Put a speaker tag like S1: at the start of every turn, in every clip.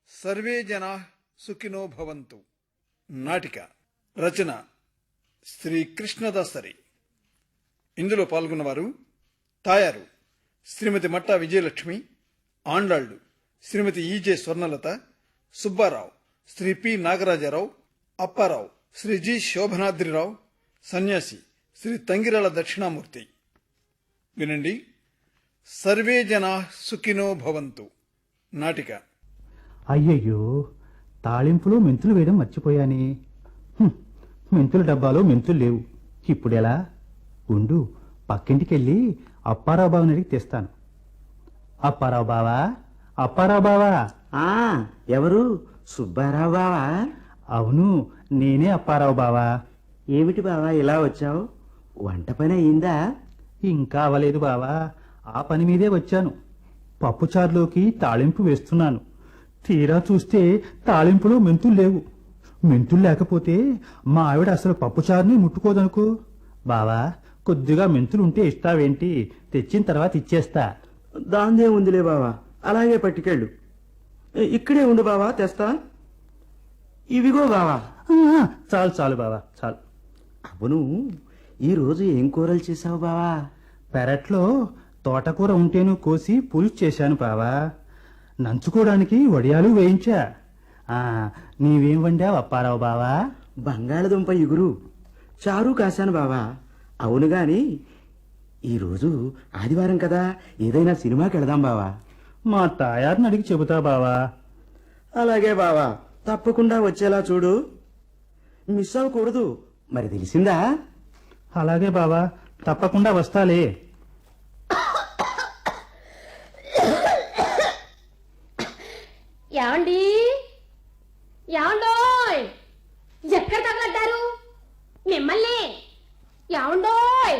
S1: Survey జనా సుఖినో భవంతు. నాటిక రచన శ్రీ కృష్ణదాసరి. ఇందులో పాల్గొన్నవారు Tayaru Srimati Matta Vijayalakshmi, Andallu Srimati E J Swarnalatha, Subbarao Sri P Nagarajarao, Apparao Sri G Sobhanadrirao, Sanyasi Sri Tangirala Dakshinamurthy. వినండి. సర్వే జనా సుఖినో భవంతు నాటిక.
S2: అయ్యయ్యో, తాళింపులో మెంతులు వేయడం మర్చిపోయానే. మెంతుల డబ్బాలో మెంతులు లేవు. ఇప్పుడెలా? ఉండు, పక్కింటికెళ్ళి అప్పారావు బావని అడిగి తెస్తాను. అప్పారావు బావా, అప్పారావు బావా.
S3: ఎవరు? సుబ్బారావు బావా?
S2: అవును, నేనే అప్పారావు బావా.
S3: ఏమిటి బావా ఇలా వచ్చావు? వంట పని అయిందా?
S2: ఇంకా అవలేదు బావా, ఆ పని మీదే వచ్చాను. పప్పుచారులోకి తాళింపు వేస్తున్నాను. తీరా చూస్తే తాళింపులో మెంతులు లేవు. మెంతులు లేకపోతే మా ఆవిడ అసలు పప్పుచారుని ముట్టుకోదనుకో. బావా, కొద్దిగా మెంతులుంటే ఇస్తావేంటి? తెచ్చిన తర్వాత ఇచ్చేస్తా.
S3: దాందే ఉందిలే బావా, అలాగే పట్టుకెళ్ళు. ఇక్కడే ఉండు బావా, తెస్తా. ఇవిగో బావా.
S2: చాలు చాలు బావా, చాలు.
S3: అవును, ఈరోజు ఏం కూరలు చేసావు బావా?
S2: పెరట్లో తోటకూర ఉంటేను కోసి పులుసు చేశాను బావా. నంచుకోవడానికి వడియాలు వేయించా. నీవేం వండావు అప్పారావు బావా?
S3: బంగాళదుంప ఇగురు, చారు కాశాను బావా. అవును గాని ఈరోజు ఆదివారం కదా, ఏదైనా సినిమాకి వెళదాం బావా.
S2: మా తాయారిని అడిగి చెబుతా బావా.
S3: అలాగే బావా, తప్పకుండా వచ్చేలా చూడు. మిస్ అవ్వకూడదు, మరి తెలిసిందా?
S2: అలాగే బావా, తప్పకుండా వస్తాలే.
S4: యాండి యాండోయ్, ఎక్కడ తగలడ్డారు మిమ్మల్ని? యాండోయ్.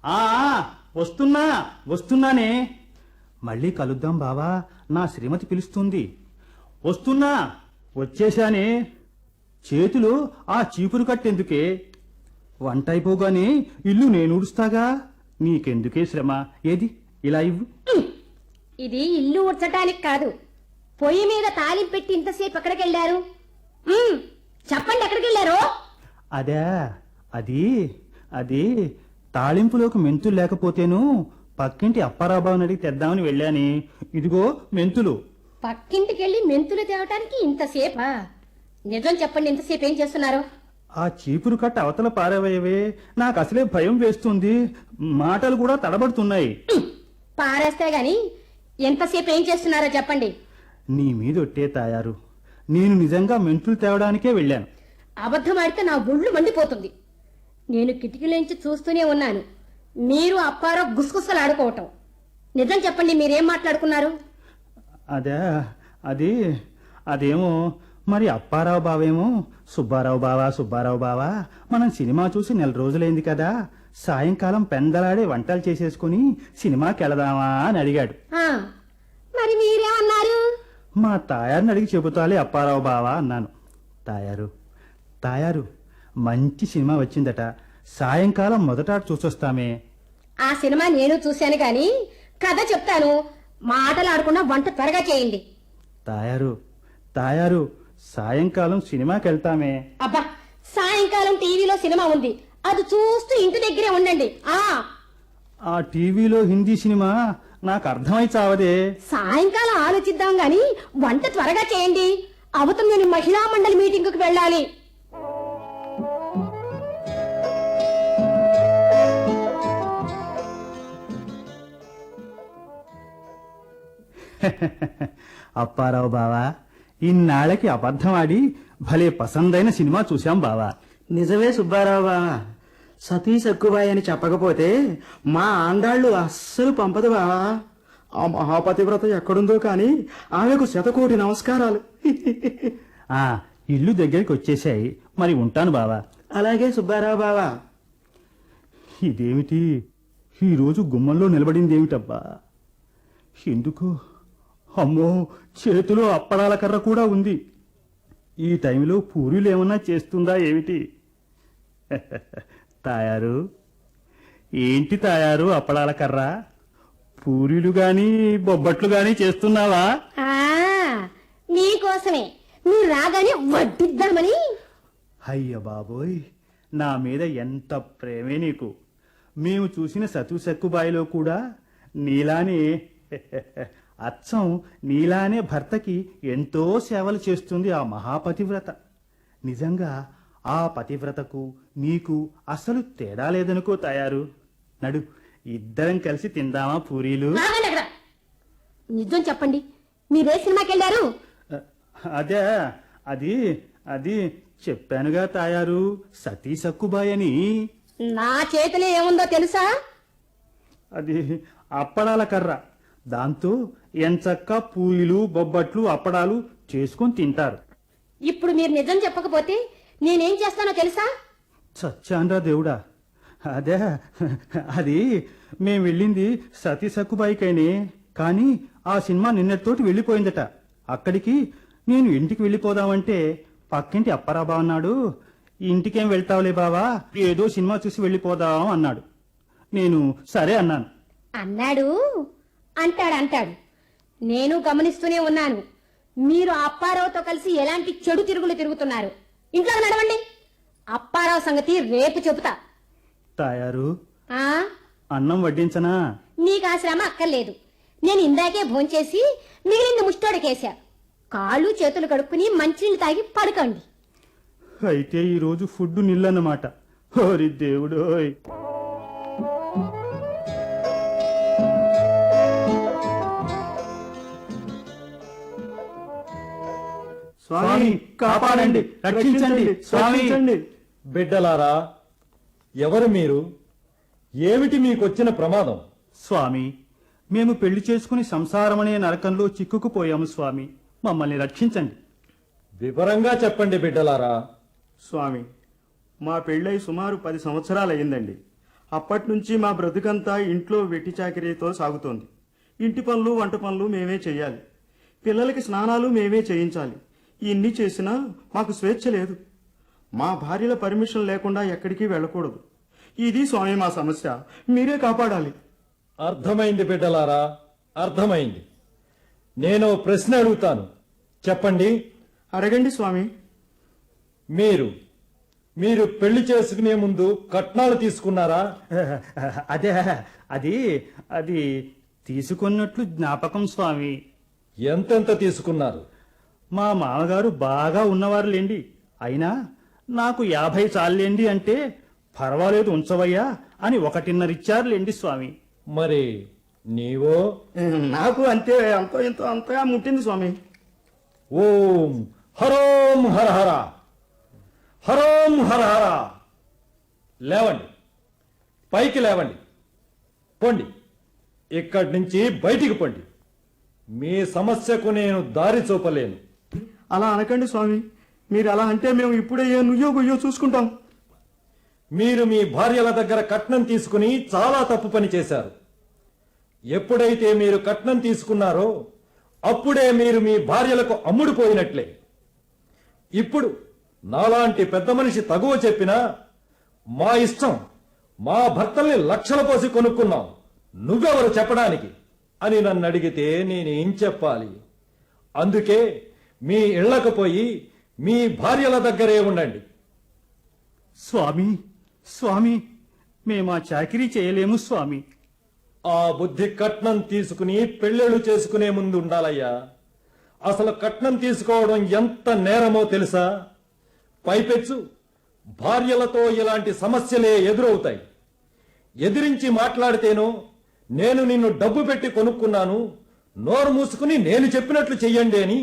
S2: వస్తున్నానే. మళ్ళీ కలుద్దాం బావా, నా శ్రీమతి పిలుస్తుంది. వస్తున్నా, వచ్చేశానే. చేతులు ఆ చీపురు కట్టెందుకే? వంట అయిపోగానే ఇల్లు నేను ఊడుస్తాగా. నీకెందుకే శ్రమ? ఏది ఇలా ఇవ్వు.
S4: ఇది ఇల్లు ఉడ్చటానికి కాదు, పొయ్యి మీద తాలింపు పెట్టి ఇంతసేపు ఎక్కడికి వెళ్ళారు? చెప్పండి, ఎక్కడికి వెళ్ళారు?
S2: అదే, అది తాళింపులోకి మెంతులు లేకపోతేను పక్కింటి అప్పారాబాబుని అడిగి తెద్దామని వెళ్ళాని. ఇదిగో మెంతులు.
S4: పక్కింటికి వెళ్ళి మెంతులు తేవటానికి ఇంతసేపా? నిజం చెప్పండి, ఇంతసేపు ఏం చేస్తున్నారు?
S2: ఆ చీపురు కట్ట అవతల పారవేయవే, నాకు అసలే భయం వేస్తుంది. మాటలు కూడా తడబడుతున్నాయి.
S4: పారేస్తే గాని ఎంతసేపు ఏం చేస్తున్నారో చెప్పండి.
S2: నీ మీదొట్టే తాయారు, నేను నిజంగా మెంతులు తేవడానికే వెళ్ళాను.
S4: అబద్ధం ఆడితే నా ఒళ్ళు మండిపోతుంది. నేను కిటికీలోంచి చూస్తూనే ఉన్నాను, మీరు అప్పారావు గుసగుసలాడుకోవటం. నిజం చెప్పండి, మీరేం మాట్లాడుకున్నారు?
S2: అదేమో మరి అప్పారావు బావేమో సుబ్బారావు బావా మనం సినిమా చూసి 4 రోజులైంది కదా, సాయంకాలం పెందలాడే వంటలు చేసేసుకుని సినిమాకి వెళదామా అని అడిగాడు.
S4: మరి మీరేమన్నారు?
S2: మా తాయారిని అడిగి చెబుతాలే అప్పారావు బావా అన్నాను. తాయారు మంచి సినిమా వచ్చిందట, సాయంకాలం మొదట చూసొస్తామే.
S4: ఆ సినిమా నేను చూశాను గాని కథ చెప్తాను, మాటలు ఆడకుండా వంట త్వరగా చేయండి.
S2: తాయారు సాయంకాలం సినిమాకి వెళ్తామే.
S4: అబ్బా, సాయంకాలం టీవీలో సినిమా ఉంది, అది చూస్తూ ఇంటి దగ్గరే ఉండండి.
S2: ఆ టీవీలో హిందీ సినిమా నాకు అర్థమై చావదే.
S4: సాయంకాలం ఆలోచిద్దాం గాని వంట త్వరగా చేయండి, అవతం నేను మహిళా మండలి మీటింగుకి వెళ్ళాలి.
S2: అప్పారావు బావా, ఇన్నాళ్ళకి అబద్ధం ఆడి భలే పసందైన సినిమా చూశాం బావా.
S3: నిజమే సుబ్బారావు బావా, సతీష్ ఎక్కుబాయి అని చెప్పకపోతే మా ఆండాళ్ళు అస్సలు పంపదు బావా. ఆ మహాపతివ్రత ఎక్కడుందో కాని ఆమెకు 100,000,000 నమస్కారాలు.
S2: ఇల్లు దగ్గరికి వచ్చేసాయి, మరి ఉంటాను బావా.
S3: అలాగే సుబ్బారావు బావా.
S2: ఇదేమిటి ఈరోజు గుమ్మంలో నిలబడిందేమిటబ్బా? ఎందుకు? అమ్మో, చేతిలో అప్పడాల కర్ర కూడా ఉంది. ఈ టైంలో పూరీలు ఏమన్నా చేస్తుందా ఏమిటి? తాయారు, ఏంటి తాయారు అప్పడాల కర్ర? పూరీలు గాని బొబ్బట్లు గాని చేస్తున్నావా?
S4: మీకోసం కోసమే మీరు రాగానే వడ్డిద్దామని.
S2: అయ్య బాబోయ్, నా మీద ఎంత ప్రేమే నీకు. మేము చూసిన సతు సక్కుబాయిలో కూడా నీలానే అచ్చం నీలానే భర్తకి ఎంతో సేవలు చేస్తుంది ఆ మహాపతివ్రత. నిజంగా ఆ పతివ్రతకు నీకు అసలు తేడా లేదనుకో తయారు. నడు, ఇద్దరం కలిసి తిందామా పూరీలు?
S4: ఆగండి అక్కడ. నిజం చెప్పండి, మీరే సినిమాకి వెళ్ళారు?
S2: అదే అది అది చెప్పానుగా తాయారు, సతీ సక్కుబాయ్ అని.
S4: నా చేతిలో ఏముందో తెలుసా?
S2: అది అప్పడాల కర్ర. దాంతో ఎంచక్కా పూయిలు బొబ్బట్లు అప్పడాలు చేసుకొని తింటారు.
S4: ఇప్పుడు మీరు నిజం చెప్పకపోతే నేనేం చేస్తానో తెలుసా?
S2: చచ్చాన్రా దేవుడా. అదే అది మేం వెళ్ళింది సతీ సక్కుబాయికైనే, కానీ ఆ సినిమా నిన్నటితోటి వెళ్ళిపోయిందట. అక్కడికి నేను ఇంటికి వెళ్ళిపోదామంటే పక్కింటి అప్పారాబా అన్నాడు, ఇంటికేం వెళ్తావులే బావా, ఏదో సినిమా చూసి వెళ్ళిపోదాం అన్నాడు. నేను సరే అన్నాను.
S4: అన్నాడు అంటాడు. నేను గమనిస్తూనే ఉన్నాను. మీరు అప్పారావుతో కలిసి ఎలాంటి చెడు తిరుగులు తిరుగుతున్నారు. ఇంట్లో నడవండి. అప్పారావు సంగతి రేపు చెబుతా.
S2: తాయారు,
S4: ఆ
S2: అన్నం వడ్డించనా?
S4: నీకు ఆ శ్రమ అక్కర్లేదు. నేను ఇందాకే భోంచేసి మిగిలింది ముష్టోడికేశా. కాళ్ళు చేతులు కడుక్కుని మంచినీళ్ళు తాగి పడుకోండి.
S2: అయితే ఈరోజు ఫుడ్ నిల్లన్నమాట. ఓరి దేవుడోయ్. స్వామి కాపాడండి, రక్షించండి స్వామి.
S5: బిడ్డలారా, ఎవరు మీరు? ఏమిటి మీకొచ్చిన ప్రమాదం?
S2: స్వామి, మేము పెళ్లి చేసుకుని సంసారమనే నరకంలో చిక్కుకుపోయాము స్వామి, మమ్మల్ని రక్షించండి.
S5: వివరంగా చెప్పండి బిడ్డలారా.
S3: స్వామి, మా పెళ్ళై సుమారు 10 సంవత్సరాలయ్యిందండి. అప్పటి నుంచి మా బ్రతుకంతా ఇంట్లో వెట్టి చాకిరీతో సాగుతోంది. ఇంటి పనులు వంట పనులు మేమే చేయాలి. పిల్లలకి స్నానాలు మేమే చేయించాలి. ఇన్ని చేసినా మాకు స్వేచ్ఛ లేదు. మా భార్యల పర్మిషన్ లేకుండా ఎక్కడికి వెళ్ళకూడదు. ఇది స్వామి మా సమస్య, మీరే కాపాడాలి.
S5: అర్థమైంది బిడ్డలారా, అర్థమైంది. నేను ప్రశ్న అడుగుతాను, చెప్పండి.
S3: అడగండి స్వామి.
S5: మీరు పెళ్లి చేసుకునే ముందు కట్నాలు తీసుకున్నారా?
S2: అదే అది అది తీసుకున్నట్లు జ్ఞాపకం స్వామి.
S5: ఎంతెంత తీసుకున్నారు?
S2: మా మామగారు బాగా ఉన్నవారులేండి, అయినా నాకు 50 చాలేండి అంటే పర్వాలేదు ఉంచవయ్యా అని 1.5 ఇచ్చారులేండి స్వామి.
S5: మరి నీవో?
S3: నాకు అంతే, అంతో ఇంతో అంతగా ముట్టింది స్వామి.
S5: ఓం హరోం హర హర, హరోం హర హర. లేవండి, పైకి లేవండి, పొండి, ఇక్కడి నుంచి బయటికి పొండి. మీ సమస్యకు నేను దారి చూపలేను.
S3: అలా అనకండి స్వామి. మీరు అలా అంటే మేము ఇప్పుడే ఏ నుయ్యో గుయ్యో చూసుకుంటాం.
S5: మీరు మీ భార్యల దగ్గర కట్నం తీసుకుని చాలా తప్పు పని చేశారు. ఎప్పుడైతే మీరు కట్నం తీసుకున్నారో అప్పుడే మీరు మీ భార్యలకు అమ్ముడుపోయినట్లే. ఇప్పుడు నాలాంటి పెద్ద మనిషి తగువ చెప్పినా మా ఇష్టం, మా భర్తల్ని లక్షల పోసి కొనుక్కున్నాం, నువ్వెవరు చెప్పడానికి అని నన్ను అడిగితే నేనేం చెప్పాలి? అందుకే మీ ఇళ్లకు పోయి మీ భార్యల దగ్గరే ఉండండి.
S2: స్వామి స్వామి, మేమా చాకిరీ చేయలేము స్వామి.
S5: ఆ బుద్ధి కట్నం తీసుకుని పెళ్ళిళ్ళు చేసుకునే ముందు ఉండాలయ్యా. అసలు కట్నం తీసుకోవడం ఎంత నేరమో తెలుసా? పైపెచ్చు భార్యలతో ఇలాంటి సమస్యలే ఎదురవుతాయి. ఎదిరించి మాట్లాడితేనో నేను నిన్ను డబ్బు పెట్టి కొనుక్కున్నాను, నోరు మూసుకుని నేను చెప్పినట్లు చెయ్యండి అని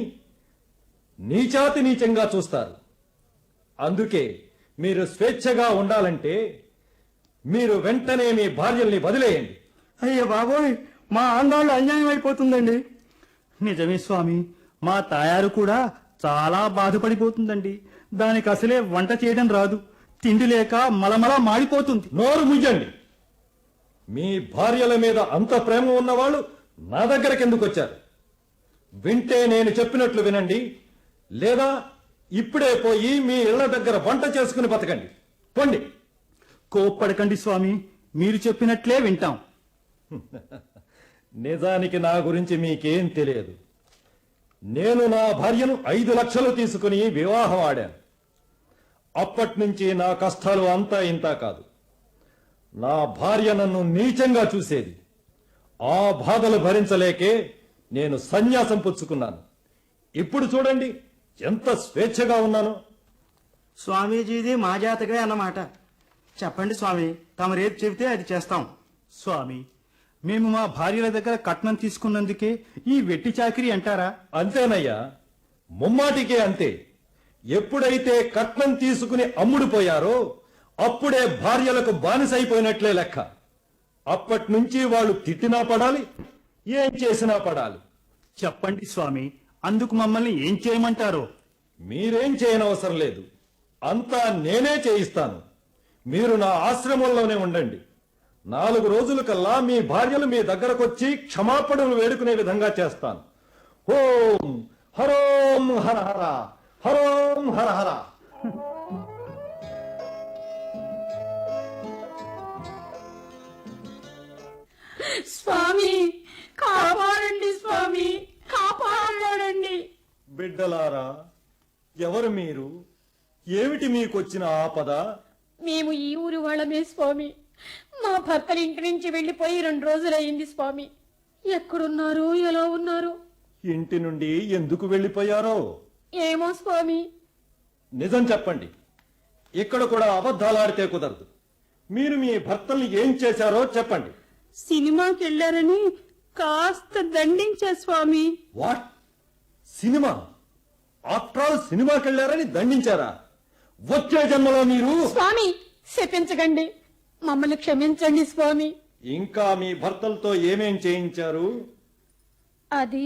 S5: నీచాతి నీచంగా చూస్తారు. అందుకే మీరు స్వేచ్ఛగా ఉండాలంటే మీరు వెంటనే మీ భార్యల్ని వదిలేయండి.
S3: అయ్యో బాబోయ్, మా ఆందోళన అన్యాయం అయిపోతుందండి.
S2: నిజమే స్వామి, మా తాయారు కూడా చాలా బాధపడిపోతుందండి. దానికి అసలే వంట చేయడం రాదు, తిండి లేక మలమలా మాడిపోతుంది.
S5: నోరు ముయ్యండి. మీ భార్యల మీద అంత ప్రేమ ఉన్నవాళ్ళు నా దగ్గరకు ఎందుకు వచ్చారు? వింటే నేను చెప్పినట్లు వినండి, లేదా ఇప్పుడే పోయి మీ ఇళ్ల దగ్గర వంట చేసుకుని బతకండి. పొండి.
S2: కోప్పడకండి స్వామి, మీరు చెప్పినట్లే వింటాం.
S5: నిజానికి నా గురించి మీకేం తెలియదు. నేను నా భార్యను 5 లక్షలు తీసుకుని వివాహం ఆడాను. అప్పటి నుంచి నా కష్టాలు అంతా ఇంతా కాదు. నా భార్య నన్ను నీచంగా చూసేది. ఆ బాధలు భరించలేకే నేను సన్యాసం పుచ్చుకున్నాను. ఇప్పుడు చూడండి ఎంత స్వేచ్ఛగా ఉన్నాను.
S3: స్వామీజీది మా జాతకమే అన్నమాట. చెప్పండి స్వామి, తమరేది చెబితే అది చేస్తాం.
S2: స్వామి, మేము మా భార్యల దగ్గర కట్నం తీసుకున్నందుకే ఈ వెట్టి చాకిరీ అంటారా?
S5: అంతేనయ్యా, ముమ్మాటికే అంతే. ఎప్పుడైతే కట్నం తీసుకుని అమ్ముడుపోయారో అప్పుడే భార్యలకు బానిసైపోయినట్లే లెక్క. అప్పటి నుంచి వాళ్ళు తిట్టినా పడాలి, ఏం చేసినా పడాలి.
S2: చెప్పండి స్వామి, అందుకు మమ్మల్ని ఏం చేయమంటారో?
S5: మీరేం చేయనవసరం లేదు, అంతా నేనే చేయిస్తాను. మీరు నా ఆశ్రమంలోనే ఉండండి. 4 రోజుల కల్లా మీ భార్యలు మీ దగ్గరకొచ్చి క్షమాపణలు వేడుకునే విధంగా చేస్తాను. ఓం హరోం హర హర, హరోం హర హర.
S4: స్వామి కాపాడండి, స్వామి కాపాడండి.
S5: బిడ్డలారా, ఎవరు మీరు? ఏమిటి మీకొచ్చిన ఆపద?
S4: మేము ఈ ఊరు వాళ్ళమే స్వామి. మా భర్తలు ఇంటి నుంచి వెళ్లిపోయి 2 రోజులయ్యింది స్వామి. ఎక్కడున్నారు, ఎలా ఉన్నారు?
S5: ఇంటి నుండి ఎందుకు వెళ్ళిపోయారో?
S4: ఏమో స్వామి.
S5: నిజం చెప్పండి, ఇక్కడ కూడా అబద్ధాలాడితే కుదరదు. మీరు మీ భర్తల్ని ఏం చేశారో చెప్పండి.
S4: సినిమాకి వెళ్ళారని కాస్త దండించా స్వామి.
S5: వాట్? సినిమా? ఆఫ్టర్ ఆల్ సినిమాకి వెళ్ళారని దండించారా? వచ్చే జన్మలో మీరు...
S4: స్వామి శపించకండి, మమ్మల్ని క్షమించండి స్వామి.
S5: ఇంకా మీ భర్తలతో ఏమేం చేయించారు?
S4: అది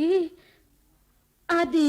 S4: అది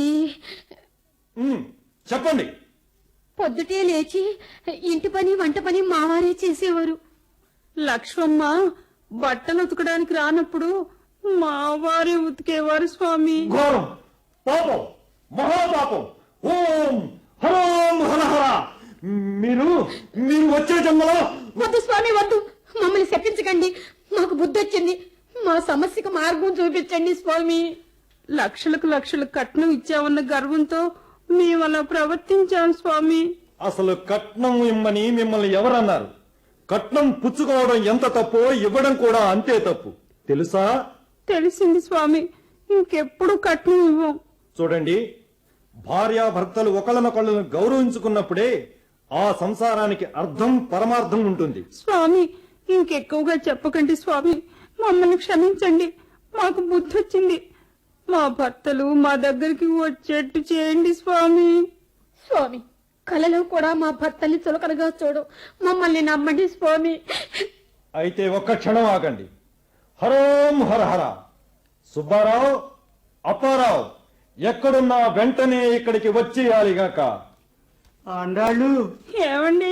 S5: చెప్పండి.
S4: పొద్దుటే లేచి ఇంటి పని వంట పని మావారే చేసేవారు. లక్ష్మమ్మ బట్టలు ఉతకడానికి రానప్పుడు మావారే ఉతికేవారు స్వామి.
S5: ఘోరం, పాపం, మహాపాపం. ఓం హరోం హర హర. మీరు మీరు వచ్చే జన్మలో...
S4: వద్దు స్వామి వద్దు, మమ్మల్ని శపించకండి. మాకు బుద్ధి వచ్చింది, మా సమస్యకు మార్గం చూపించండి స్వామి. లక్షలకు లక్షలు కట్నం ఇచ్చామన్న గర్వంతో మేము అలా ప్రవర్తించాం స్వామి.
S5: అసలు కట్నం ఇమ్మని మిమ్మల్ని ఎవరన్నారు? కట్నం పుచ్చుకోవడం ఎంత తప్పో ఇవ్వడం కూడా అంతే తప్పు, తెలుసా?
S4: తెలిసింది స్వామి, ఇంకెప్పుడు కట్నం ఇవ్వం.
S5: చూడండి, భార్యాభర్తలు ఒకళ్ళనొకళ్ళను గౌరవించుకున్నప్పుడే ఆ సంసారానికి అర్థం పరమార్థం ఉంటుంది.
S4: స్వామి ఇంకెక్కువగా చెప్పకండి స్వామి, మమ్మల్ని క్షమించండి. మాకు బుద్ధి వచ్చింది. మా భర్తలు మా దగ్గరికి వచ్చేట్టు చేయండి స్వామి. స్వామి కలలో కూడా మా భర్తల్ని చులకనగా చూడు, మమ్మల్ని నమ్మండి స్వామి.
S5: అయితే ఒక్క క్షణం ఆగండి. హరోం హర హర. సుబ్బారావు, అప్పారావు, ఎక్కడున్నా వెంటనే ఇక్కడికి వచ్చేయాలిగాక.
S3: ఆండాళ్ళు,
S4: ఏమండి,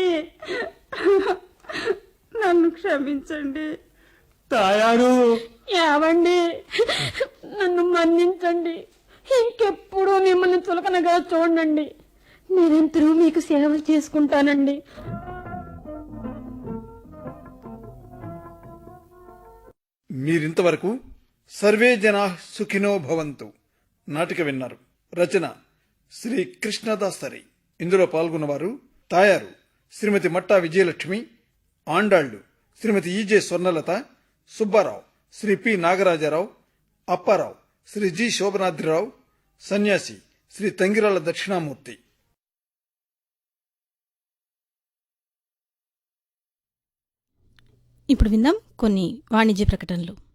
S4: నన్ను క్షమించండి.
S2: తాయారు,
S4: ఏవండి, నన్ను మన్నించండి. ఇంకెప్పుడు మిమ్మల్ని చులకనగా చూడండి. నిరంతరం మీకు సేవలు చేసుకుంటానండి.
S1: మీరింతవరకు సర్వే జనా సుఖినో భవంతు నాటిక విన్నారు. రచన శ్రీ కృష్ణదాసరి. ఇందులో పాల్గొన్నవారు Tayaru Srimati Matta Vijayalakshmi, Andallu Srimati E J Swarnalatha, Subbarao Sri P Nagarajarao, Apparao Sri G Sobhanadrirao, Sanyasi Sri Tangirala Dakshinamurthy.
S6: ఇప్పుడు విందాం కొన్ని వాణిజ్య ప్రకటనలు.